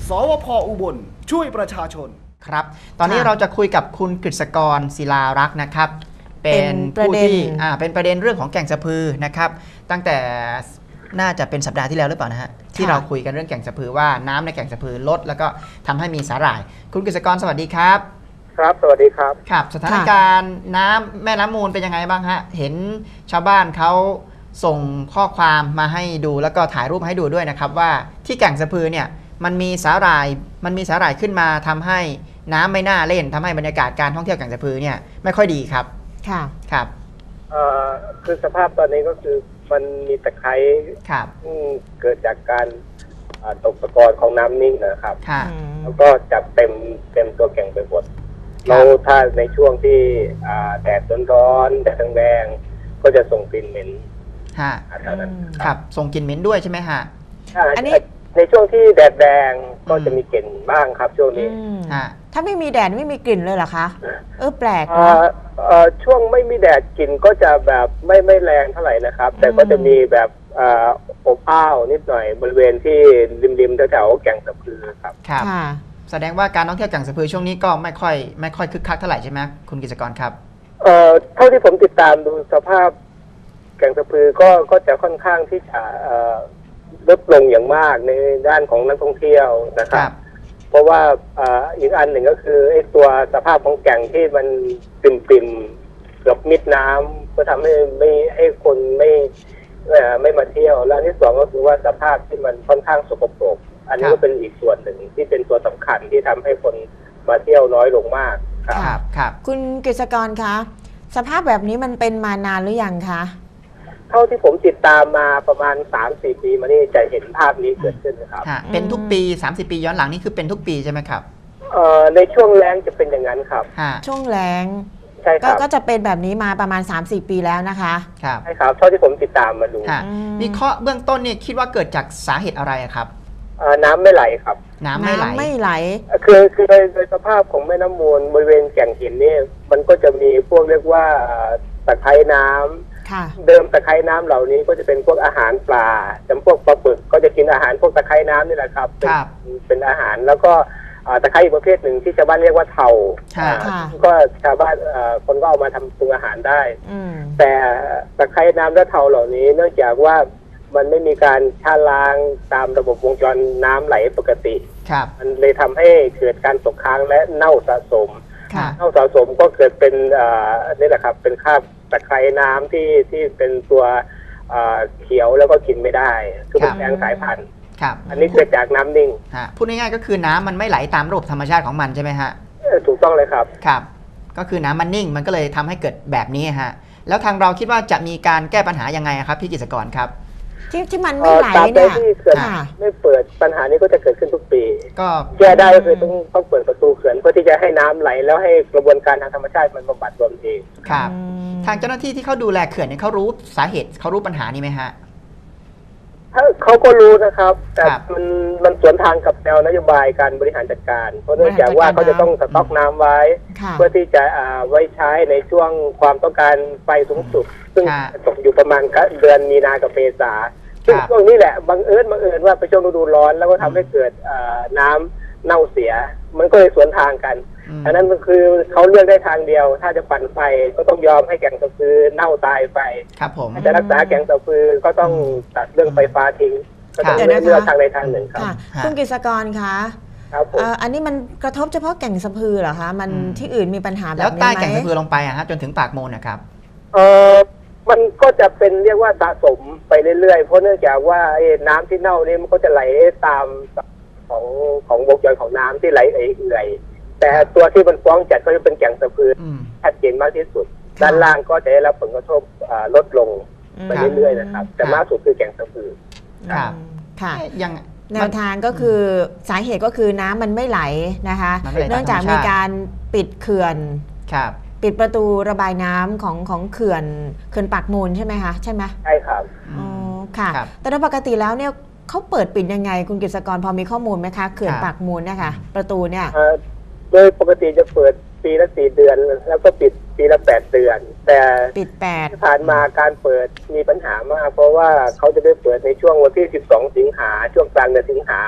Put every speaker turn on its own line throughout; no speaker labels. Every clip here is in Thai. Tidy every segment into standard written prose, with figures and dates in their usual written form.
สวพ.อุบลช่วยประชาชน
ครับตอนนี้เราจะคุยกับคุณกฤษกรศิลารักษ์นะครับเป็นผู้ที่เป็นประเด็นเรื่องของแก่งสะพือนะครับตั้งแต่น่าจะเป็นสัปดาห์ที่แล้วหรือเปล่านะฮะที่เราคุยกันเรื่องแก่งสะพือว่าน้ำในแก่งสะพือลดแล้วก็ทำให้มีสาหร่ายคุณกฤษกรสวัสดีครับ
ครับสวัสดีครับ
ครับสถานการณ์น้ำแม่น้ำมูลเป็นยังไงบ้างฮะเห็นชาวบ้านเขาส่งข้อความมาให้ดูแล้วก็ถ่ายรูปให้ดูด้วยนะครับว่าที่แก่งสะพือเนี่ยมันมีสาหร่ายขึ้นมาทำให้น้ำไม่น่าเล่นทำให้บรรยากาศการท่องเที่ยวแก่งสะพือเนี่ยไม่ค่อยดีครับ
ค่ะ
ครับ
คือสภาพตอนนี้ก็คือมันมีตะไคร้
ครับ
เกิดจากการตกตะกอนของน้ำนิ่งนะครับแล้วก็จับเต็มตัวแก่งไปหมดเราถ้าในช่วงที่แดดร้อนแดดแรงก็จะส่งกลิ่นเหม็น
ครับส่งกลิ่นเหม็นด้วยใช่ไหมฮะ
อันนี้ในช่วงที่แดดแรงก็จะมีกลิ่นบ้างครับช่วงนี้
ถ้าไม่มีแดดไม่มีกลิ่นเลยเหรอคะแปลก
ช่วงไม่มีแดดกลิ่นก็จะแบบไม่แรงเท่าไหร่นะครับแต่ก็จะมีแบบอบอ้าวนิดหน่อยบริเวณที่ริมแถวแก่งสะพือครับ
ครับแสดงว่าการท่องเที่ยวแก่งสะพือช่วงนี้ก็ไม่ค่อยคึกคักเท่าไหร่ใช่ไหมคุณกิจกรครับ
เท่าที่ผมติดตามดูสภาพแก่งสะพือก็จะค่อนข้างที่จะลดลงอย่างมากในด้านของนักท่องเที่ยวนะครับเพราะว่าอีกอันหนึ่งก็คือไอ้ตัวสภาพของแก่งที่มันปิ่มเกือบมิดน้ำก็ทำให้ไม่ให้คนไม่มาเที่ยวแล้วอันที่สองก็คือว่าสภาพที่มันค่อนข้างสกปรกอันนี้ก็เป็นอีกส่วนหนึ่งที่เป็นตัวสำคัญที่ทำให้คนมาเที่ยวน้อยลงมาก
ครับคุณกฤษกรคะสภาพแบบนี้มันเป็นมานานหรือยังคะ
เท่าที่ผมติดตามมาประมาณ 3-4 ปีมานี่จะเห็นภาพนี้เกิดขึ้นนะครับ
เป็นทุกปี30 ปีย้อนหลังนี่คือเป็นทุกปีใช่ไหมครับ
ในช่วงแล้งจะเป็นอย่างนั้นครับ
ช่วงแล้ง
ใช่ครับ
ก็จะเป็นแบบนี้มาประมาณ 3-4 ปีแล้วนะคะ
ครับ
ใช่ครับเท่าที่ผมติดตามมาดู
วิเคราะห์เบื้องต้นเนี่ยคิดว่าเกิดจากสาเหตุอะไรครับ
น้ำไม่ไหลครับ
น้ำไม่ไหล
คือโดยสภาพของแม่น้ำมูลบริเวณแก่งหินนี่มันก็จะมีพวกเรียกว่าตะไคร่น้ำเดิมตะไคร่น้ำเหล่านี้ก็จะเป็นพวกอาหารปลาจำพวกปลาปึกก็จะกินอาหารพวกตะไคร่น้ำนี่แหละครับเป็นอาหารแล้วก็ตะไคร่อีกประเภทหนึ่งที่ชาวบ้านเรียกว่าเถาก็ชาวบ้านคนก็เอามาทำปรุงอาหารได้แต่ตะไคร่น้ำและเถาเหล่านี้เนื่องจากว่ามันไม่มีการชะล้างตามระบบวงจรน้ำไหลปกติมันเลยทำให้เกิดการตกค้างและเน่าสะสมก็เกิดเป็นนี่แหละครับเป็นคราบตะไคร่น้ำที่เป็นตัวเขียวแล้วก็กินไม่ได้คือเป็นแมลงสายพันธุ์อันนี้เกิดจากน้ำนิ่ง
พูดง่ายๆก็คือน้ำมันไม่ไหลตามระบบธรรมชาติของมันใช่ไหมฮะ
ถูกต้องเลยครับ
ครับก็คือน้ำมันนิ่งมันก็เลยทำให้เกิดแบบนี้ฮะแล้วทางเราคิดว่าจะมีการแก้ปัญหายังไงครับพี่กิจกรครับ
ที่มันไม่ไหลเนี่ย
ที่เขื่อนไม่เปิดปัญหานี้ก็จะเกิดขึ้นทุกปีก็แก้ได้ก็คือต้องเปิดประตูเขื่อนเพื่อที่จะให้น้ำไหลแล้วให้กระบวนการทางธรรมชาติมันบำบัดตัวเอง
ครับทางเจ้าหน้าที่ที่เขาดูแลเขื่อนเนี่ยเขารู้สาเหตุเขารู้ปัญหานี้ไหมฮะ
เขาก็รู้นะครับแต่มันสวนทางกับแนวนโยบายการบริหารจัดการเพราะเนื่องจากว่าเขาจะต้องสต็อกน้ำไว้เพื่อที่จะไว้ใช้ในช่วงความต้องการไฟสูงสุดซึ่งตกอยู่ประมาณเดือนมีนากับเมษาซึ่งช่วงนี้แหละบังเอิญว่าเป็นช่วงฤดูร้อนแล้วก็ทำให้เกิดน้ำเน่าเสียมันก็เลยสวนทางกันอันนั้นก็คือเขาเลือกได้ทางเดียวถ้าจะปั่นไฟก็ต้องยอมให้แก่งสะพือเน่าตายไป
ครับผม
จะรักษาแก่งสะพือก็ต้องตัดเรื่องไฟฟ้าทิ้งก็ต้องเลือกทางใดทางหนึ่งครับ
คุณกฤษกรคะอันนี้มันกระทบเฉพาะแก่งสะพือเหรอคะมันที่อื่นมีปัญหาแบบนี้ไหม
แล้วใต้แก่งสะพือลงไปฮะจนถึงปากมูลนะครับ
มันก็จะเป็นเรียกว่าสะสมไปเรื่อยๆเพราะเนื่องจากว่าน้ำที่เน่านี่มันก็จะไหลตามของวงจรของน้ำที่ไหลเอื่อยแต่ตัวที่มันฟ้องจัดก็จะเป็นแก่งสะพือชัดเจนมากที่สุดด้านล่างก็จะได้รับผลกระทบลดลงไปเรื่อยๆนะครับแต่มากสุดคือแก่งสะพือ
ครับค่ะอย่างแนวทางก็คือสาเหตุก็คือน้ำมันไม่ไหลนะคะเนื่องจากมีการปิดเขื่อนปิดประตูระบายน้ำของเขื่อนปากมูลใช่ไหมคะใช่ไหม
ใช่ครับ
อ๋อค่ะแต่โดยปกติแล้วเนี่ยเขาเปิดปิดยังไงคุณกฤษกรพอมีข้อมูลไหมคะเขื่อนปากมูลนะคะประตูเนี่ย
โดยปกติจะเปิดปีละ4 เดือนแล้วก็ปิดปีละ8 เดือนแต่
ปิด8
ที่ผ่านมาการเปิดมีปัญหามากเพราะว่าเขาจะได้เปิดในช่วงวันที่12 สิงหาช่วงกลางเดือนสิงหา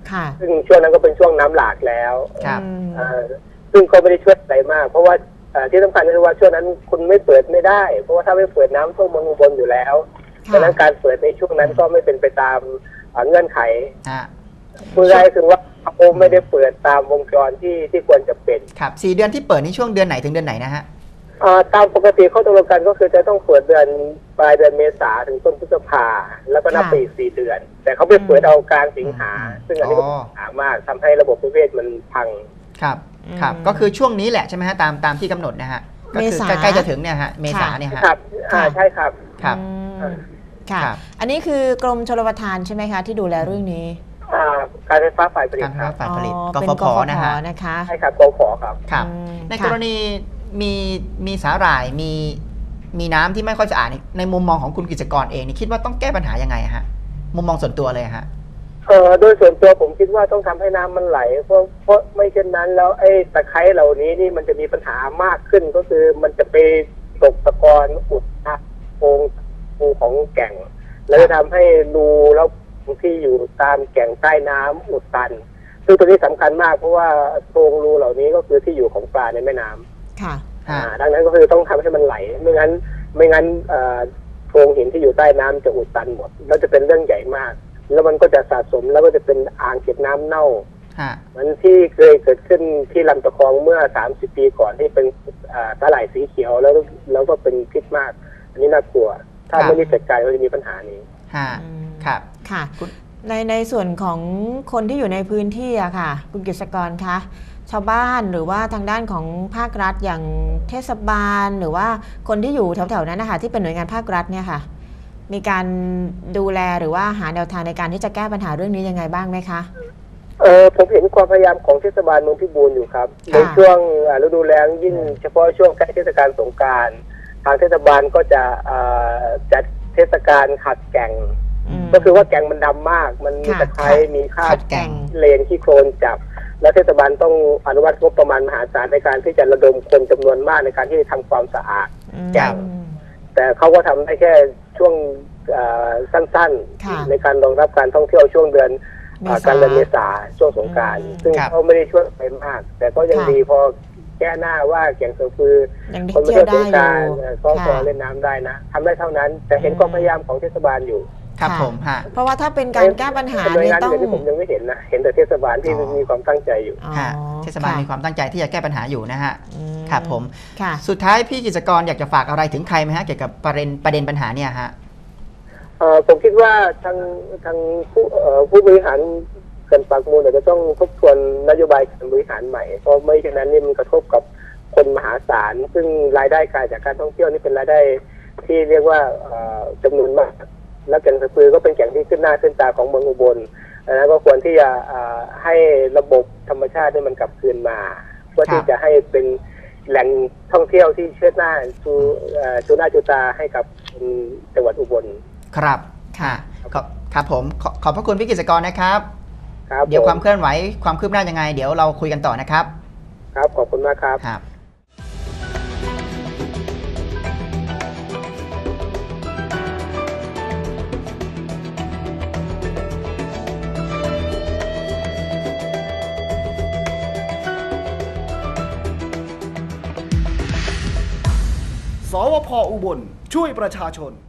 ค่ะ
ซึ่งช่วงนั้นก็เป็นช่วงน้ำหลากแล้ว
ครับ
ซึ่งก็ไม่ได้ช่วยอะไรมาก เพราะว่าที่สำคัญก็คือว่าช่วงนั้นคุณไม่เปิดไม่ได้ เพราะว่าถ้าไม่เปิดน้ำท่วมเมืองอุบลอยู่แล้วดังนั้นการเปิดในช่วงนั้นก็ไม่เป็นไปตามเงื่อนไขพูดง่ายๆคือว่าเขาไม่ได้เปิดตามวงจรที่ควรจะเป็น
ครับ4 เดือนที่เปิดนี่ช่วงเดือนไหนถึงเดือนไหนนะฮะ
ตามปกติเขาตกลงกันก็คือจะต้องเปิดเดือนปลายเดือนเมษาถึงต้นพฤษภาแล้วก็นับไปอีก4 เดือน แต่เขาไปเปิดเอากลางสิงหาซึ่งอันนี้ก็ปัญหามากทำให้ระบบนิเวศมันพัง
ครับครับก็คือช่วงนี้แหละใช่ไหมฮะตามที่กำหนดนะฮะก็คือใกล้จะถึงเนี่ยฮะเมษาเนี่ยฮะ
ครับใช่ครับ
ครับ
ค่ะอันนี้คือกรมชลประทานใช่ไหมคะที่ดูแลเรื่องนี้
การไฟฟ้าฝ่ายผลิต
การไฟฟ้าฝ่ายผลิต
กฟผนะคะ
ใช่ครับกฟผครับ
ครับในกรณีมีสาหร่ายมีน้ำที่ไม่ค่อยสะอาดในมุมมองของคุณกิจกรเองนี่คิดว่าต้องแก้ปัญหายังไงฮะมุมมองส่วนตัวเลยฮะ
โดยส่วนตัวผมคิดว่าต้องทำให้น้ำมันไหลเพราะไม่เช่นนั้นแล้วไอ้ตะไคร้เหล่านี้นี่มันจะมีปัญหามากขึ้นก็คือมันจะไปตกตะกอนอุดโพรงของแก่งแล้วจะทำให้รูแล้วที่อยู่ตามแก่งใต้น้ำอุดตันซึ่งตัวนี้สำคัญมากเพราะว่าโพรงรูเหล่านี้ก็คือที่อยู่ของปลาในแม่น้ำ
ค่ะ
ดังนั้นก็คือต้องทำให้มันไหลไม่งั้นโพรงหินที่อยู่ใต้น้ำจะอุดตันหมดแล้วจะเป็นเรื่องใหญ่มากแล้วมันก็จะสะสมแล้วก็จะเป็นอ่างเก็บน้ำเน่ามันที่เคยเกิดขึ้นที่ลำตะคองเมื่อ30 ปีก่อนที่เป็นสาหร่ายสีเขียวแล้วก็เป็นพิษมากอันนี้น่ากลัวถ้าไม่รีบจัดการก็จะมีปัญหานี้
ครับ
ค่ะในส่วนของคนที่อยู่ในพื้นที่อะค่ะคุณกฤษกรคะชาวบ้านหรือว่าทางด้านของภาครัฐอย่างเทศบาลหรือว่าคนที่อยู่แถวๆนั้นนะคะที่เป็นหน่วยงานภาครัฐเนี่ยค่ะมีการดูแลหรือว่าหาแนวทางในการที่จะแก้ปัญหาเรื่องนี้ยังไงบ้างไหมคะ
ผมเห็นความพยายามของเทศบาลเมืองพิบูลอยู่ครับในช่วงฤดูแล้งยิ่งเฉพาะช่วงใกล้เทศกาลสงกรานต์ทางเทศบาลก็จะจัดเทศกาลขัดแก่งก็คือว่าแก่งมันดำมากมันมีตะไคร้มีคราบเลนขี้โคลนจับแล้วเทศบาลต้องอนุมัติงบประมาณมหาศาลในการที่จะระดมคนจำนวนมากในการที่จะทำความสะอาดแก่งแต่เขาก็ทำได้แค่ช่วงสั้นๆในการรองรับการท่องเที่ยวช่วงเดือนกันยายนเมษาช่วงสงกรานต์ซึ่งเขาไม่ได้ช่วยไปมากแต่ก็ยังดีพอแก้หน้าว่าแก่งเสือฟือคนไม่เที่ยวสงกรานต์ก็พอเล่นน้ำได้นะทำได้เท่านั้นแต่เห็นความพยายามของเทศบาลอยู่
ครับผม
เพราะว่าถ้าเป็นการแก้ปัญหาเนี่ยต้อง
ที่ผมยังไม่เห็นนะเห็นแต่เทศบาลที่มีความตั้งใจอยู่
เทศบาลมีความตั้งใจที่จะแก้ปัญหาอยู่นะฮะครับผมสุดท้ายพี่กิจกรอยากจะฝากอะไรถึงใครไหมฮะเกี่ยวกับประเด็นปัญหาเนี่ยฮะ
ผมคิดว่าทางผู้บริหารเขื่อนปากมูลจะต้องทบทวนนโยบายการบริหารใหม่เพราะไม่เช่นนั้นนี่มันกระทบกับคนมหาศาลซึ่งรายได้การจากการท่องเที่ยวนี่เป็นรายได้ที่เรียกว่าจำนวนมากและแก่งสะพือก็เป็นแก่งที่ขึ้นหน้าขึ้นตาของเมืองอุบลแล้วก็ควรที่จะให้ระบบธรรมชาตินี่มันกลับคืนมาเพื่อที่จะให้เป็นแหล่งท่องเที่ยวที่เชิดหน้าชูหน้าชูตาให้กับจังหวัดอุบล
ครับครับผมขอบพระคุณพี่กิจกรนะครับเดี๋ยวความเคลื่อนไหวความคืบหน้ายังไงเดี๋ยวเราคุยกันต่อนะครับ
ครับขอบคุณมากครับ
สวพ.อุบลช่วยประชาชน